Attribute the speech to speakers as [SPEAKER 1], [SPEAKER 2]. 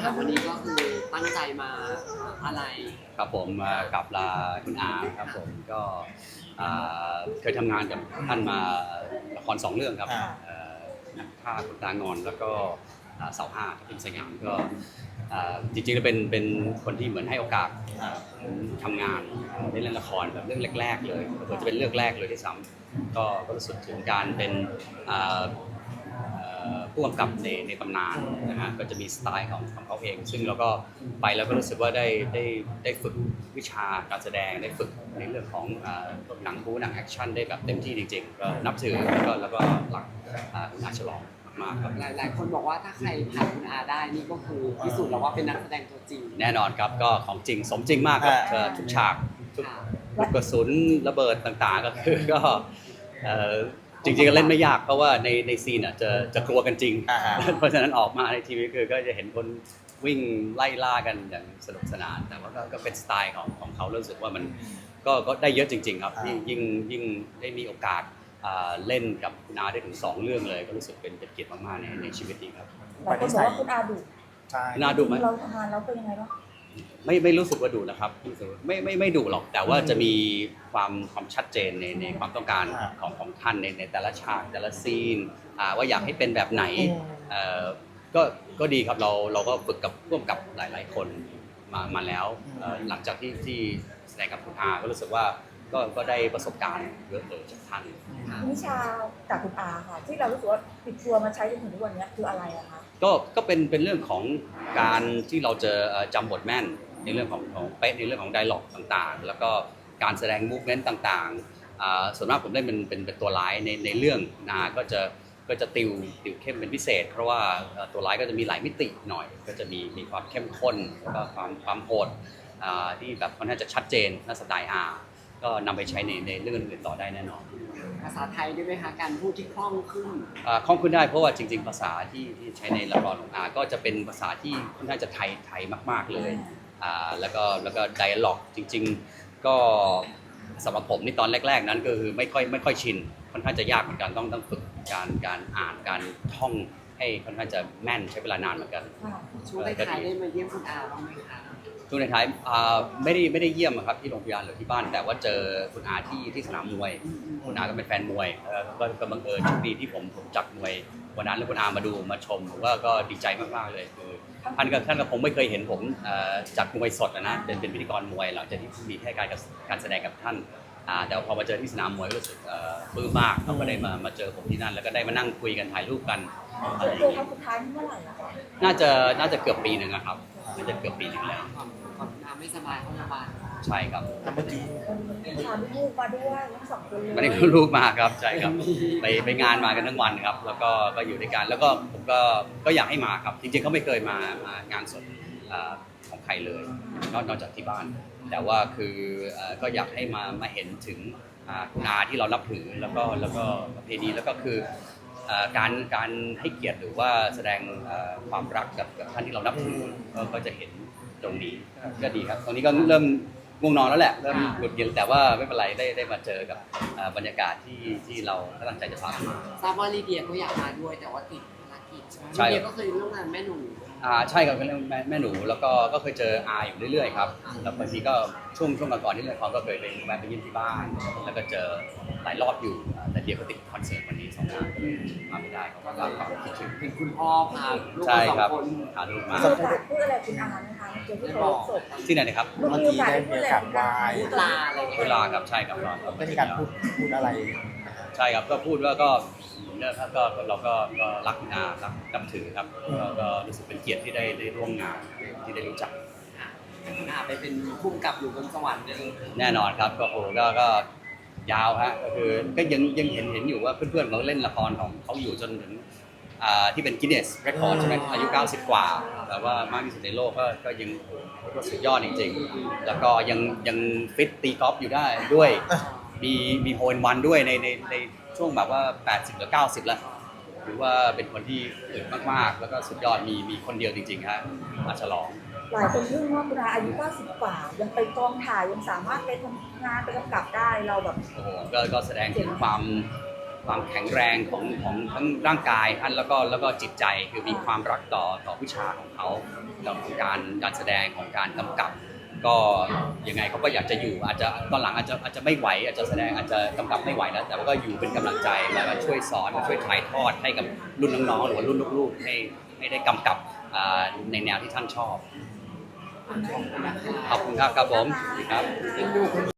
[SPEAKER 1] แต่วันนี้ก็คือตั้งใจมาอะไร
[SPEAKER 2] ครับผมกับลาคุณอาครับผมก็เคยทำงานกับท่านมาละคร2 เรื่องครับนักฆ่าคนตางอนแล้วก็เสาห้าที่เป็นสยามก็จริงๆแล้วเป็นคนที่เหมือนให้โอกาสทำงานได้เล่นละครแบบเรื่องแรกๆเลยเผื่อจะเป็นเรื่องแรกเลยที่ซ้ำก็รู้สึกถึงการเป็นผู้กำกับในตำนานนะฮะก็จะมีสไตล์ของเขาเองซึ่งเราก็ไปแล้วก็รู้สึกว่าได้ฝึกวิชาการแสดงได้ฝึกในเรื่องของหนังบู๊หนังแอคชั่นได้แบบเต็มที่จริงๆก็นับถือแล้วก็หลักคุณอาฉลองมากครับ
[SPEAKER 1] หลายคนบอกว่าถ้าใครผ่านคุณอาได้นี่ก็คือพิสูจน์แล้วว่าเป็นนักแสดงตัวจริง
[SPEAKER 2] แน่นอนครับก็ของจริงสมจริงมากครับทุกฉากทุกลูกกระสุนระเบิดต่างๆก็คือก็จริงๆก็เล่นไม่ยากเพราะว่าในซีนจะกลัวกันจริงเพราะฉะนั้นออกมาในทีวีคือก็จะเห็นคนวิ่งไล่ล่ากันอย่างสนุกสนานแต่ว่าก็เป็นสไตล์ของเขารู้สึกว่ามันก็ได้เยอะจริงๆครับยิ่งได้มีโอกาสเล่นกับคุณอาได้ถึง2 เรื่องเลยก็รู้สึกเป็นเกียรติมากๆในชีวิตนี้ครับ
[SPEAKER 3] หลายคนบอกว่าคุณอาดุ
[SPEAKER 2] คุณอาดุไหม
[SPEAKER 3] เราทำงานแล้วเป็นยังไงบ้าง
[SPEAKER 2] ไม่รู้สึกว่าดุนะครับไม่ดุหรอกแต่ว่าจะมีความชัดเจนในความต้องการของท่านในแต่ละฉากแต่ละซีนว่าอยากให้เป็นแบบไหนก็ดีครับเราก็ฝึกกับร่วมกับหลายๆคนมาแล้วหลังจากที่แสดงกับคุณอาก็รู้สึกว่าก็ได้ประสบการณ์เยอะเลยจากท่าน
[SPEAKER 3] วิชาจากคุณอาค่ะที่เรารู้สึกว่าติดตัวมาใช้จนถึงทุกวันนี้คืออะไรอะคะ
[SPEAKER 2] ก็เป็นเรื่องของการที่เราจะจำบทแม่นในเรื่องของเป๊ะในเรื่องของไดร็อกต่างๆแล้วก็การแสดงมูฟเมนต์ต่างๆส่วนมากผมได้เป็นตัวร้ายในเรื่องนาก็จะติวเข้มเป็นพิเศษเพราะว่าตัวร้ายก็จะมีหลายมิติหน่อยก็จะมีความเข้มข้นแล้วก็ความโหดที่แบบค่อนข้างจะชัดเจนน่าสไตล์ก็นำไปใช้ในเรื่องอื่นๆต่อได้แน่นอน
[SPEAKER 1] ภาษาไทยได้ไหมคะการพูดที่คล่องขึ้น
[SPEAKER 2] คล่องขึ้นได้เพราะว่าจริงๆภาษาที่ใช้ในละครของก็จะเป็นภาษาที่ค่อนข้างจะไทยมากๆเลยแล้วก็ไดอะล็อกจริงๆก็สำหรับผมนี่ตอนแรกๆนั้นก็คือไม่ค่อยชินค่อนข้างจะยากเหมือนกันต้องฝึกการอ่านการท่องให้ค่อนข้างจะแม่นใช้เวลานานเหมือนกัน
[SPEAKER 1] ช่วงท้ายได้มาเยี่ยมคุณอาบ้างไหมคะ
[SPEAKER 2] ช่วงในท้ายไม่ได้เยี่ยมครับที่โรงพยาบาลหรือที่บ้านแต่ว่าเจอคุณอาที่สนามมวยคุณอาก็เป็นแฟนมวยก็บังเอิญโชคดีที่ผมจัดมวยวันนั้นแล้วคุณอามาดูมาชมผมก็ดีใจมากๆเลยคือท่านก็คงไม่เคยเห็นผมจัดมวยสดนะเป็นพิธีกรมวยหลังจากที่มีแค่การแสดงกับท่านแต่พอมาเจอที่สนามมวยรู้สึกปลื้มมากเขาก็ได้มาเจอผมที่นั่นแล้วก็ได้มานั่งคุยกันถ่ายรูปกัน
[SPEAKER 3] เจอครั้งสุดท้ายเมื่อไหร่
[SPEAKER 2] น่าจะเกือบปีหนึ่งนะครับน่าจะเกือบปีหนึ่งแล้ว
[SPEAKER 1] ก่อนน้าไม่สบายเข้าโรงพยาบาล
[SPEAKER 2] ใช่ครับ
[SPEAKER 3] เมื่อกี้พาลูกมาด้วยทั้ง2 คนเลย
[SPEAKER 2] วันนี้ลูกมาครับใช่ครับไปงานมากันทั้งวันครับแล้วก็อยู่ด้วยกันแล้วก็ผมก็อยากให้มาครับจริงๆเขาไม่เคยมางานสดของใครเลยนอกจากที่บ้านแต่ว่าคือก็อยากให้มาเห็นถึงคุณอาที่เรานับถือแล้วก็ประเพณีแล้วก็คือการให้เกียรติหรือว่าแสดงความรักกับท่านที่เรานับถือก็จะเห็นตรงนี้ก็ดีครับตรงนี้ก็เริ่มง่วงนอนแล้วแหละเริ่มหงุดหงิดแต่ว่าไม่เป็นไรได้มาเจอกับบรรยากาศที่เราตั้งใจจะพามา
[SPEAKER 1] ทราบว่าลีเดียก็อยากมาด้วยแต่ว่าติดภารกิจลีเดียก็เคยร่วมงานแม่หนู
[SPEAKER 2] ใช่ครับเป็นเรื่องแม่หนูแล้วก็เคยเจออาอยู่เรื่อยๆครับแล้วบางทีก็ช่วงก่อนที่เล่นละครก็เคยไปแวะไปเยี่ยมที่บ้านแล้วก็เจอหลายรอบอยู่แต่เดียวก็ติดคอนเสิร์ตวันนี้2 งานก็เลยมาไม่ได้เพราะว่าเราคิดถึง
[SPEAKER 1] เป็นคุณพ่อพาลูก2 คน
[SPEAKER 2] พาลูกมา
[SPEAKER 3] พูดอะไรคุณอาไหมคะเจอที่เขาศพ
[SPEAKER 2] ที่ไหนนะครับ
[SPEAKER 3] เมื่อกี้ได้พูดอะไรคุณอา
[SPEAKER 1] ลาอะไร
[SPEAKER 2] เวลาครับใช่ครับ
[SPEAKER 4] ไม่มีการพูดอะไร
[SPEAKER 2] ใช่ครับก็พูดว่าก็ก็เราก็รักคุณอารักนับถือครับก็รู้สึกเป็นเกียรติที่ได้ร่วมงานที่ได้รู้จัก
[SPEAKER 1] ไปเป็นผู้กำกับอยู่บนสวรรค์
[SPEAKER 2] แน่นอนครับก็ยาวฮะก็คือก็ยังเห็นอยู่ว่าเพื่อนๆเขาเล่นละครของเขาอยู่จนถึงที่เป็นกินเนสเรคคอร์ดใช่ไหมอายุ90 กว่าแต่ว่ามากที่สุดในโลกก็ยังสุดยอดจริงๆแล้วก็ยังฟิตตีกอล์ฟอยู่ได้ด้วยมีโฮลวันด้วยในช่วงแบบว่า80หรือ90แล้วถือว่าเป็นคนที่อึดมากๆแล้วก็สุดยอดมีคนเดียวจริงๆฮะมาฉลอง
[SPEAKER 3] หลายคนทึ่งว่าคุณอาอายุ90 กว่ายังไปกองถ่ายยังสามารถไปทำงานไปกำกับได้เราแบบ
[SPEAKER 2] โอ้โหก็แสดงถึงความความแข็งแรงของทั้งร่างกายท่านแล้วก็จิตใจคือมีความรักต่อวิชาของเขาของการแสดงของการกำกับ ก็ยังไงเขาก็อยากจะอยู่อาจจะตอนหลังอาจจะไม่ไหวอาจจะแสดงอาจจะกำกับไม่ไหวแล้วแต่ว่าก็อยู่เป็นกำลังใจมาช่วยสอนมาช่วยถ่ายทอดให้กับรุ่นน้องๆหรือว่ารุ่นลูกๆให้ได้กำกับในแนวที่ท่านชอบ
[SPEAKER 1] ขอบคุณนะคะ
[SPEAKER 2] ขอบคุณครับครับผมครับ
[SPEAKER 1] เป็นดู